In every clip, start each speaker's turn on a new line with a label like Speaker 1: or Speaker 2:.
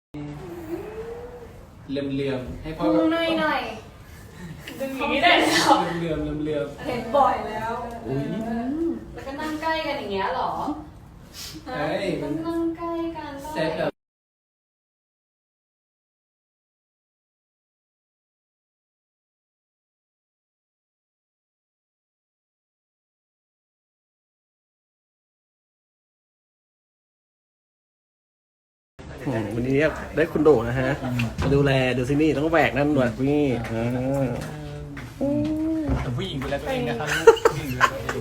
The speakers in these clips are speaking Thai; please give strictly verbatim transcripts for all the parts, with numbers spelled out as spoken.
Speaker 1: เหลื่อมๆให้พ่อ
Speaker 2: พุงหน่อยหน่อยดึงอย่างนี้ได้แล้ว
Speaker 1: เหลื่อมๆเหลื่อม
Speaker 2: เห็นบ่อยแล้ว
Speaker 1: ๆอุ้ย
Speaker 2: แล้วก็นั่งใกล้กันอย่างเงี้ยหรอ
Speaker 1: เฮ้ย
Speaker 2: ก็นั่งใกล้กัน
Speaker 1: เซตแบบ
Speaker 3: อืมวันนี้ได้คุณโด่นะฮะมาดูแลดูซินี่ต้องแบกนั่นด้วยนี่อ่า
Speaker 1: แต่ผู้หญิงดูแลตัวเองนะครับผู้หญิงดูแลตัวเอง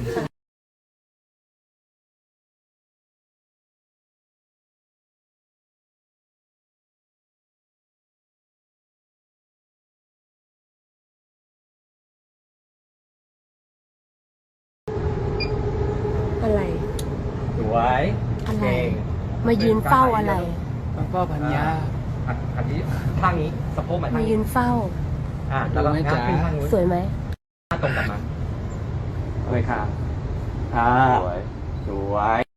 Speaker 4: อะไร
Speaker 3: สวย
Speaker 4: อะไร มายืนเฝ้าอะไร
Speaker 1: ต้องพ่อพันยา
Speaker 3: อันอันนี้ข้างนี้สะโพกมา
Speaker 4: มา
Speaker 3: ทาง
Speaker 4: ยื
Speaker 3: นี้
Speaker 4: นเฝ้า
Speaker 3: อ่าแล้วก็
Speaker 1: ดูให้
Speaker 3: งับ
Speaker 1: จ๋า
Speaker 3: ขึ้นข้างนู้น
Speaker 4: สวยไหม
Speaker 3: หน้าตรงกลับมาโอเคค่ะอ่าสวยสวย